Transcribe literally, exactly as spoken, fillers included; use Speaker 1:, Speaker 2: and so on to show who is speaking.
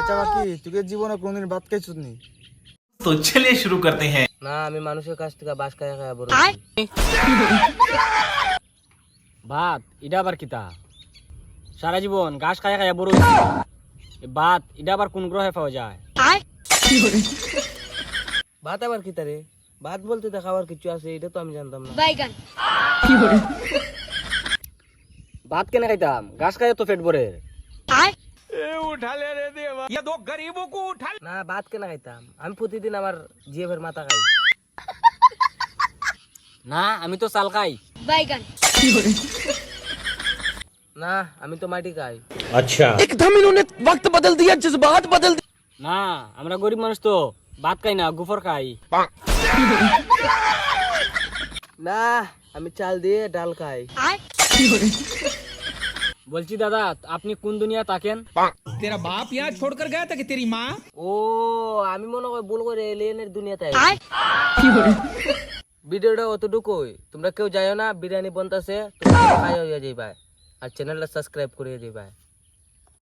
Speaker 1: আচ্ছা বাকি তুই জীবনে কোনদিন ভাত খাইছিস নি?
Speaker 2: तो चलिए शुरू करते हैं।
Speaker 3: না আমি মানুষের কাছ থেকে বাস খায়া খায়া বড়
Speaker 4: ভাত এটা আবার কিতা? সারা জীবন ঘাস খায়া খায়া বড় হইছি। এ ভাত এটা আবার কোন গ্রহে পাওয়া যায়?
Speaker 3: ভাত আবার কি তারে? ভাত বলতে তো খাবার কিছু আছে, এটা তো আমি জানতাম না।
Speaker 4: ভাত কেন খাইতাম? ঘাস খাইয়া তো পেট ভরে।
Speaker 3: না ভাত কেন খাইতাম? আমি প্রতিদিন আমার জিএফের মাথা খাই।
Speaker 4: না আমি তো চাল খাই।
Speaker 3: না আমি তো মাটি খাই।
Speaker 4: না আমরা গরিব মানুষ তো ভাত খাই না, গুফর খাই।
Speaker 3: না আমি চাল দিয়ে ডাল খাই।
Speaker 4: বলছি দাদা আপনি কোন দুনিয়া থাকেন?
Speaker 5: तेरा बाप यहाँ छोड़कर गया था कि तेरी माँ?
Speaker 3: ও আমি মনে করি ভুল করে এলিয়েনের দুনিয়াতে আইছি। ভিডিওটা অতটুকুই, তোমরা কেউ যাইও না, বিরিয়ানি বনতাছে, তোমরা খাইয়া হইয়া যাইবা আর চ্যানেলটা সাবস্ক্রাইব করিয়ে যাইবা।